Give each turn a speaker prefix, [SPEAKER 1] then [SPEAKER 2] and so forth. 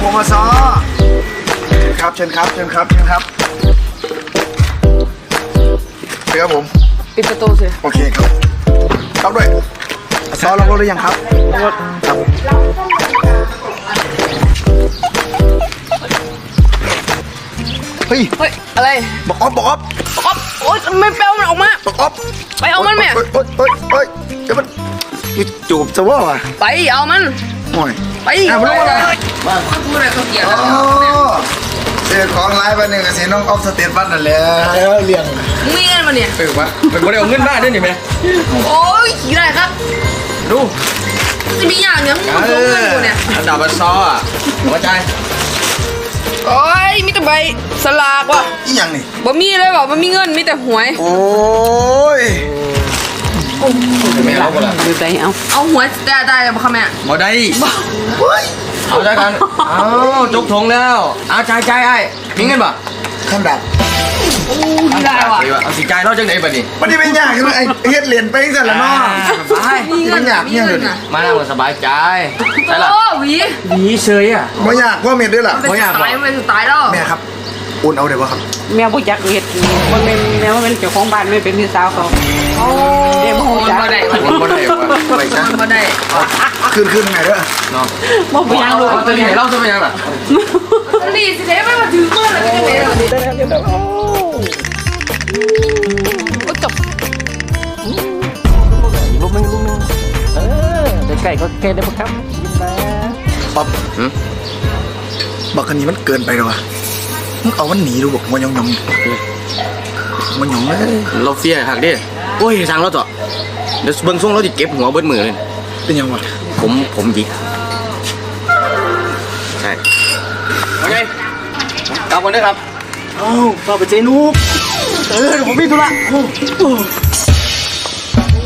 [SPEAKER 1] งอซอครับเชิญครับเชิญครับครับผม
[SPEAKER 2] ปิดประตูสิ
[SPEAKER 1] โอเคครับครับด้วยซอลงรถหรือยังครับครับเฮ้ย
[SPEAKER 2] อะไร
[SPEAKER 1] บอกออฟ
[SPEAKER 2] โอ๊ยไม่ไปเอามันออกมา
[SPEAKER 1] บอกออฟ
[SPEAKER 2] ไปเอามันแม่
[SPEAKER 1] โอ๊ยเดี๋ยวมันจูบจะว่า
[SPEAKER 2] ไปเอามัน
[SPEAKER 1] โอ้ย
[SPEAKER 2] ไป
[SPEAKER 1] มันรู้อะไร
[SPEAKER 2] บ้านพูดอะไรเขาเกี่ยว
[SPEAKER 1] เจอของไลฟ์ไปหนึ่งกับสีน้องออฟสเตทบัสนั่นแหละเลี้ยง
[SPEAKER 2] มีเงินมาเนี่ย
[SPEAKER 3] วะเป็นคนเอาเงินบ้านด้วยนี่ไหม
[SPEAKER 2] โอ้ยขี่ได้ครับ
[SPEAKER 3] ดู
[SPEAKER 2] จะมีอย่างเนี้ยมึงส่งเงินกูเนี่ย
[SPEAKER 3] อันดับซออ่ะหัวใจ
[SPEAKER 2] โอ้ยมีแต่ใบสลากว่ะ
[SPEAKER 1] อีหยังนี่
[SPEAKER 2] บ่มีเลยว่ะบ่มีเงินมีแต่หวย
[SPEAKER 1] โอ้ย
[SPEAKER 3] ไม่เอาก็ละ
[SPEAKER 2] ดูใจเอาหวยได้ป่ะคะแม่
[SPEAKER 3] บ่ได้เอาใจกันเอาจุกทงแล้วเอาใจไอ้มีเงินป่ะ
[SPEAKER 1] คำดับ
[SPEAKER 2] โอ้ยได้ว่ะ
[SPEAKER 3] เอาสิใจเราจังไหนป่ะนี่
[SPEAKER 1] มันนี่เป็นยากใช่ไหมไอ้เฮ็ดเหรียญไปสั่นละเนาะ
[SPEAKER 3] สบาย
[SPEAKER 1] มันยากเนี่ยเลย
[SPEAKER 3] มาแล้วสบายใจ
[SPEAKER 2] ใช่ล่ะหวี
[SPEAKER 3] เฉยอ่ะ
[SPEAKER 1] ไม่ยากว่าเม็ดด้วยล่ะ
[SPEAKER 2] ไม่ยากมันสุดท้ายแล้ว
[SPEAKER 1] แม่ครับอุ่นเอาเดี๋ยววะครับ
[SPEAKER 4] แมวผู้จักเห็ดมันเป็นแมวเป็นเจ้าของบ้านไม่เป็นพี่สาวเขา
[SPEAKER 2] โอ้
[SPEAKER 4] เดี๋ยวผู้จัก
[SPEAKER 2] บ่ได้
[SPEAKER 3] บ่ได้
[SPEAKER 1] ไปจ้ะ
[SPEAKER 2] บ่ได้
[SPEAKER 1] ขึ้นไงด้วย
[SPEAKER 3] เนาะ
[SPEAKER 4] บ่ไปยังลูก
[SPEAKER 3] ตัวนี้เล่าจะเป็นยังล่ะ
[SPEAKER 2] นี่สิเด้ไม่มาถือเมื่อไหร่จะเป็นอะไรก็จบ
[SPEAKER 4] ลูกนึงไก่ก็แค่ได้ปะครับ
[SPEAKER 1] ป๊อปบอกคันนี้มันเกินไปหรอวะมึงเอามันหนีดูบอกมันยองเลย
[SPEAKER 3] เราเฟี้ยหักดิโอ้ยทางเราต่อเดี๋ยวเบิ้งส่งเราจะเก็บหัวเบิ้ลมือเลย
[SPEAKER 1] เป็นยังวะ
[SPEAKER 3] ผมยิกใช่โอเคกลับกันด้วยครับ
[SPEAKER 1] เอ้าต่อไปเจนุกผมมีธุระ